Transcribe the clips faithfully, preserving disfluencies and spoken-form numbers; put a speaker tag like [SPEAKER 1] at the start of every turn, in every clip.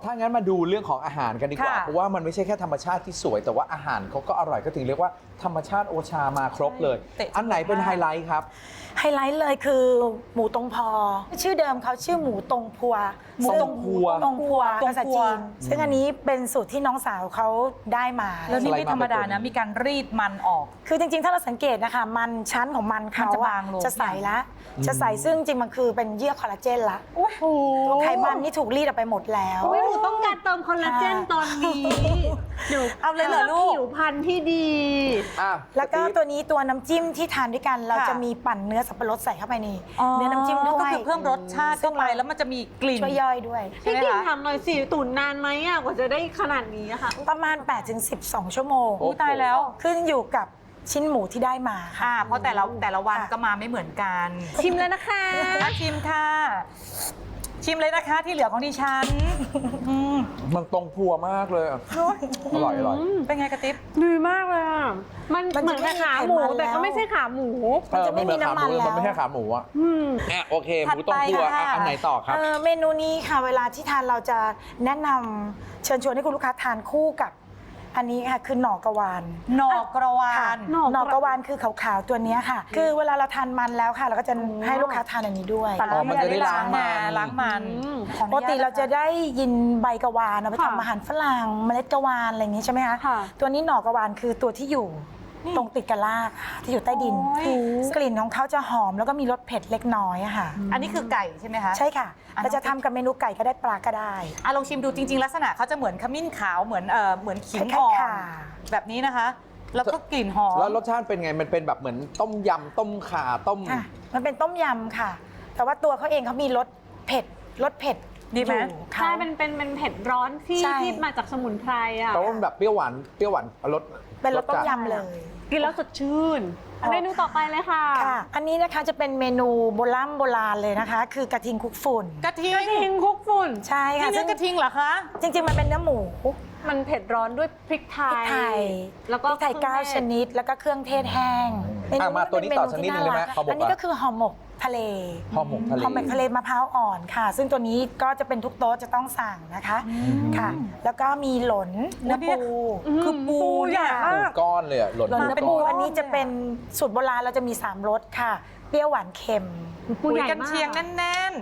[SPEAKER 1] ถ้างั้นมาดูเรื่องของอาหารกันดีกว่าเพราะว่ามันไม่ใช่แค่ธรรมชาติที่สวยแต่ว่าอาหารเขาก็อร่อยก็ถึงเรียกว่าธรรมชาติโอชามาครบเลยอันไหนเป็นไฮไลท์ครับ
[SPEAKER 2] ไฮไลท์เลยคือหมูตงพอชื่อเดิมเขาชื่อหมูตงพัว
[SPEAKER 1] หมูตงพัว
[SPEAKER 2] ตงพัวภาษาจีนซึ่งอันนี้เป็นสูตรที่น้องสาวเขาได้มา
[SPEAKER 3] แล้วนี่ไม่ธรรมดานะมีการรีดมันออก
[SPEAKER 2] คือจริงๆถ้าเราสังเกตนะคะมันชั้นของมันเขาจะบางลงจะใสละจะใสซึ่งจริงมันคือเป็นเยื่อคอลลาเจนละไขมันนี่ถูกรีดออกไปหมดแล้ว
[SPEAKER 4] หนูต้องการเติมคอลลาเจนตอนนี้หนู
[SPEAKER 3] เอาเลยเหรอลูก
[SPEAKER 4] ผิวพรรณที่ดี
[SPEAKER 2] แล้วก็ตัวนี้ตัวน้ำจิ้มที่ทานด้วยกันเราจะมีปั่นเนื้อสับปะรดใส่เข้าไปในเนื้อน้ำจิ้มด้วย
[SPEAKER 3] ก็คือเพิ่มรสชาติเข้าไปแล้วมันจะมีกลิ่น
[SPEAKER 2] ช่วยย่อยด้วย
[SPEAKER 4] พี่กิ่งทำหน่อยสิตุ๋นนานไหมอ่ะกว่าจะได้ขนาดนี้ค่ะ
[SPEAKER 2] ประมาณ แปดถึงสิบสอง ชั่วโมง
[SPEAKER 3] ตายแล้ว
[SPEAKER 2] ขึ้นอยู่กับชิ้นหมูที่ได้มา
[SPEAKER 3] ค่ะเพราะแต่ละแต่ละวันก็มาไม่เหมือนกัน
[SPEAKER 4] ชิมแล้วนะคะ
[SPEAKER 3] ชิมค่ะชิมเลยนะคะที่เหลือของดิฉัน
[SPEAKER 1] มันตรงพัวมากเลยอร่อยอร่อย
[SPEAKER 3] เป็นไงกระติ๊บ
[SPEAKER 4] ดีมากเลยอ่ะมันเหมือนขาหมูแต่ก็ไม่ใช่ขาหมู
[SPEAKER 2] มันจะไม่มีน้ำมันแล้ว
[SPEAKER 1] มันไม่ใช่ขาหมูอ่ะอ่ะโอเคหมูตรงพัวอันไหนต่อครับ
[SPEAKER 2] เมนูนี้ค่ะเวลาที่ทานเราจะแนะนำเชิญชวนให้คุณลูกค้าทานคู่กับอันนี้ค่ะคือหน่อกระวาน
[SPEAKER 3] หน่อกระวาน
[SPEAKER 2] หน่อกระวานคือขาวๆตัวนี้ค่ะคือเวลาเราทานมันแล้วค่ะเราก็จะให้ลูกค้าทานอันนี้ด้วย
[SPEAKER 1] อ๋อมันจะได้ล้างมัน
[SPEAKER 3] ล้างมัน
[SPEAKER 2] ปกติเราจะได้ยินใบกระวานเอาไปทำอาหารฝรั่งเมล็ดกระวานอะไรอย่างนี้ใช่ไหมคะตัวนี้หน่อกระวานคือตัวที่อยู่ตรงติดกับรากที่อยู่ใต้ดินกลิ่นของเขาจะหอมแล้วก็มีรสเผ็ดเล็กน้อยค่ะ
[SPEAKER 3] อันนี้คือไก่ใช่ไหมคะ
[SPEAKER 2] ใช่ค่ะเราจะทำกับเมนูไก่ก็ได้ปลาก็ได้
[SPEAKER 3] อ่ะลองชิมดูจริงๆลักษณะเขาจะเหมือนขมิ้นขาวเหมือนเอ่อเหมือนขิงอ่อนแบบนี้นะคะแล้วก็กลิ่นหอม
[SPEAKER 1] แล้วรสชาติเป็นไงมันเป็นแบบเหมือนต้มยำต้มข่าต้ม
[SPEAKER 2] มันเป็นต้มยำค่ะแต่ว่าตัวเขาเองเขามีรสเผ็ดรสเผ็ด
[SPEAKER 3] ดีไหม
[SPEAKER 4] ใช่เป็นเป็นเป็นเผ็ดร้อนที่ที่มาจากสมุนไพรอ่ะ
[SPEAKER 1] แต่ว่ามันแบบเปรี้ยวหวานเปรี้ยวหวานรส
[SPEAKER 2] เป็นรสต้มยำเลย
[SPEAKER 4] กินแล้วสดชื่นเมนูต่อไปเลยค่ะ
[SPEAKER 2] ค่ะอันนี้นะคะจะเป็นเมนูโบราณโบราณเลยนะคะคือกระทิงคลุกฝุ่น
[SPEAKER 3] กระทิง
[SPEAKER 4] กระทิงคลุกฝุ่น
[SPEAKER 2] ใช่ค่ะ
[SPEAKER 3] ซึ่งกระทิงเหรอคะ
[SPEAKER 2] จริงๆมันเป็นเนื้อหมู
[SPEAKER 4] มันเผ็ดร้อนด้วยพริกไทย
[SPEAKER 2] แล้วก็พริกไทยเก้าชนิดแล้วก็เครื่องเทศแห้ง
[SPEAKER 1] มาตัวนี้ต่อชนิดนึงเลยไหม
[SPEAKER 2] อันนี้ก็คือห่อหมกทะเล
[SPEAKER 1] ห่อหมกทะเล
[SPEAKER 2] ห่อหมกทะเลมะพร้าวอ่อนค่ะซึ่งตัวนี้ก็จะเป็นทุกโต๊ะจะต้องสั่งนะคะค่ะแล้วก็มีหลนเนื้อปู
[SPEAKER 3] คือปูใหญ่มาก
[SPEAKER 1] ก้อนเลยอะหลน
[SPEAKER 2] เนื้อปูอันนี้จะเป็นสูตรโบราณเราจะมีสามรสค่ะเปรี้ยวหวานเค็ม
[SPEAKER 3] ปูใหญ่กันเชียงแน่น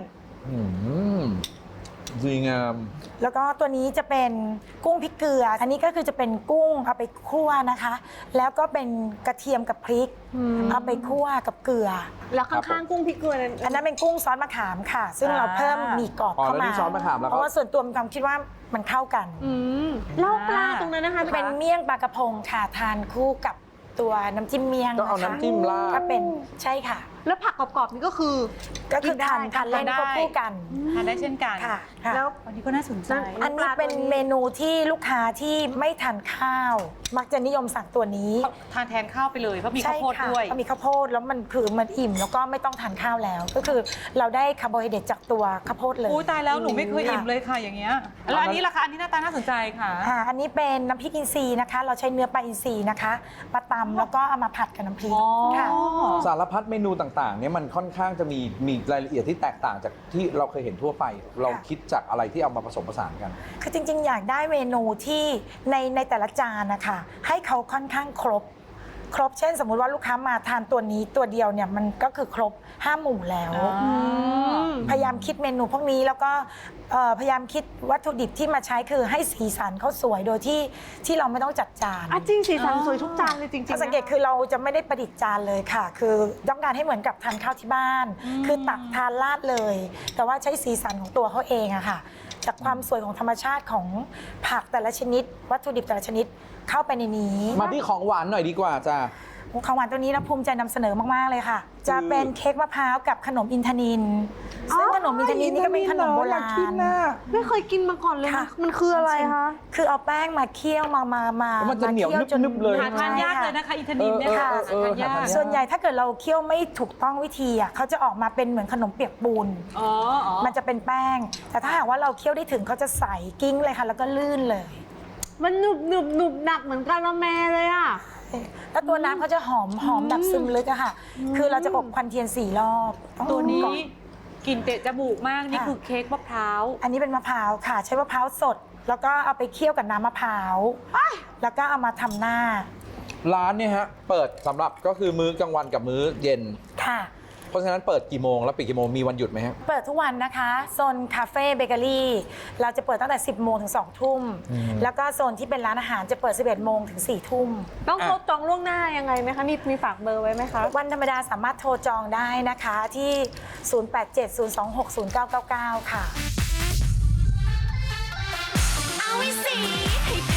[SPEAKER 1] ๆดีงาม
[SPEAKER 2] แล้วก็ตัวนี้จะเป็นกุ้งพริกเกลืออันนี้ก็คือจะเป็นกุ้งเอาไปคั่วนะคะแล้วก็เป็นกระเทียมกับพริกเอาไปคั่วกับเกลือ
[SPEAKER 4] แล้วข้างๆกุ้งพริกเกลือนั้น
[SPEAKER 2] อันนั้นเป็นกุ้งซอสมะขามค่ะซึ่งเราเพิ่มมีกรอบเข้ามาเพราะว่าส่วนตัวมีความคิดว่ามันเข้ากัน
[SPEAKER 4] เล่าปลาตรงนั้นนะคะ
[SPEAKER 2] เป็นเมี่ยงปลากระพงค่ะทานคู่กับตัวน้ำจิ้มเมี่ยง
[SPEAKER 1] ต้องเอาน้ำจิ้มราด
[SPEAKER 2] ก็เป็นใช่ค่ะ
[SPEAKER 4] แล้วผักกรอบๆนี่ก็คือ
[SPEAKER 2] ก็คือทานทานเล่นควบคู่กัน
[SPEAKER 3] ทานได้เช่นกัน
[SPEAKER 2] ค่ะ
[SPEAKER 3] แล้วอันนี้ก็น่าสนใจ
[SPEAKER 2] อันนี้เป็นเมนูที่ลูกค้าที่ไม่ทานข้าวมักจะนิยมสั่งตัวนี้
[SPEAKER 3] ทานแทนข้าวไปเลยเพราะมีข้าวโพดด้วย
[SPEAKER 2] มีข้าวโพดแล้วมันคือมันอิ่มแล้วก็ไม่ต้องทานข้าวแล้วก็คือเราได้คาร์โบไฮเดรตจากตัวข้าวโพดเลย
[SPEAKER 3] อุ้ยตายแล้วหนูไม่เคยอิ่มเลยค่ะอย่างเงี้ยแล้วอันนี้ล่ะคะอันนี้หน้าตาน่าสนใจค่ะ
[SPEAKER 2] อันนี้เป็นน้ำพริกอินทรีย์นะคะเราใช้เนื้อปลาอินทรีย์นะคะมาตำแล้วก็เอามาผัดกับน้ำพริกค่ะ
[SPEAKER 1] สารพัดเมนูต่างๆเนี่ยมันค่อนข้างจะมีมีรายละเอียดที่แตกต่างจากที่เราเคยเห็นทั่วไปเราคิดจากอะไรที่เอามาผสมผสานกัน
[SPEAKER 2] คือจริงๆอยากได้เมนูที่ในในแต่ละจานนะคะให้เขาค่อนข้างครบครบเช่นสมมุติว่าลูกค้ามาทานตัวนี้ตัวเดียวเนี่ยมันก็คือครบห้าหมู่แล้วพยายามคิดเมนูพวกนี้แล้วก็พยายามคิดวัตถุดิบที่มาใช้คือให้สีสันเขาสวยโดยที่ที่เราไม่ต้องจัดจาน
[SPEAKER 4] จริงสีสันสวยทุกจานเลยจริงๆ
[SPEAKER 2] สังเกตคือเราจะไม่ได้ประดิษฐ์จานเลยค่ะคือต้องการให้เหมือนกับทานข้าวที่บ้านคือตักทานราดเลยแต่ว่าใช้สีสันของตัวเขาเองอะค่ะจากความสวยของธรรมชาติของผักแต่ละชนิดวัตถุดิบแต่ละชนิดเข้าไปในนี้
[SPEAKER 1] มาที่ของหวานหน่อยดีกว่าจ้ะ
[SPEAKER 2] ของหวานตัวนี้นะภูมิใจนำเสนอมากๆเลยค่ะจะเป็นเค้กมะพร้าวกับขนมอินทนิลซึ่งขนมอินทนิลนี่ก็เป็นขนมโบราณ
[SPEAKER 4] ไม่เคยกินมาก่อนเลยมันคืออะไรคะ
[SPEAKER 2] คือเอาแป้งมาเคี่ยวมามามา
[SPEAKER 1] มันจะเหนียวนึบๆเลย
[SPEAKER 3] หาทานยากเลยนะคะอินทนิลเนี่ยค่ะทานยาก
[SPEAKER 2] ส่วนใหญ่ถ้าเกิดเราเคี่ยวไม่ถูกต้องวิธีอ่ะเขาจะออกมาเป็นเหมือนขนมเปียกปูนมันจะเป็นแป้งแต่ถ้าหากว่าเราเคี่ยวได้ถึงเขาจะใสกิ้งเลยค่ะแล้วก็ลื่นเลย
[SPEAKER 4] มันหนุบหนุบหนุบหนักเหมือนกะละแมเลยอ่ะ
[SPEAKER 2] แล้วตัวน้ำเขาจะหอมหอมแบบซึมลึกอะค่ะคือเราจะอบควันเทียนสี่รอบ
[SPEAKER 3] ตัวนี้
[SPEAKER 4] กลิ่นเตะจมูกมากนี่
[SPEAKER 2] ค่ะ
[SPEAKER 4] คือเค้กมะพร้าว
[SPEAKER 2] อันนี้เป็นมะพร้าวค่ะ ใช้มะพร้าวสด แล้วก็เอาไปเคี่ยวกับน้ำมะพร้าวแล้วก็เอามาทำหน้า
[SPEAKER 1] ร้านเนี่ยฮะเปิดสำหรับก็คือมื้อกลางวันกับมื้อเย็น
[SPEAKER 2] ค่ะ
[SPEAKER 1] เพราะฉะนั้นเปิดกี่โมงแล้วปิดกี่โมงมีวันหยุดไหมฮะ
[SPEAKER 2] เปิดทุกวันนะคะโซนคาเฟ่เบเกอรี่เราจะเปิดตั้งแต่ สิบโมงถึงสองทุ่ม
[SPEAKER 1] อืม
[SPEAKER 2] แล้วก็โซนที่เป็นร้านอาหารจะเปิด สิบเอ็ดโมงถึงสี่ทุ่ม
[SPEAKER 4] ต้อง
[SPEAKER 1] อ่ะ
[SPEAKER 4] โทรจองล่วงหน้ายังไงไหมคะ มีมีฝากเบอร์ไว้ไหมคะ
[SPEAKER 2] วันธรรมดาสามารถโทรจองได้นะคะที่ ศูนย์ แปด เจ็ด ศูนย์ สอง หก ศูนย์ เก้า เก้า เก้า ค่ะ
[SPEAKER 5] เอาไว้สิให้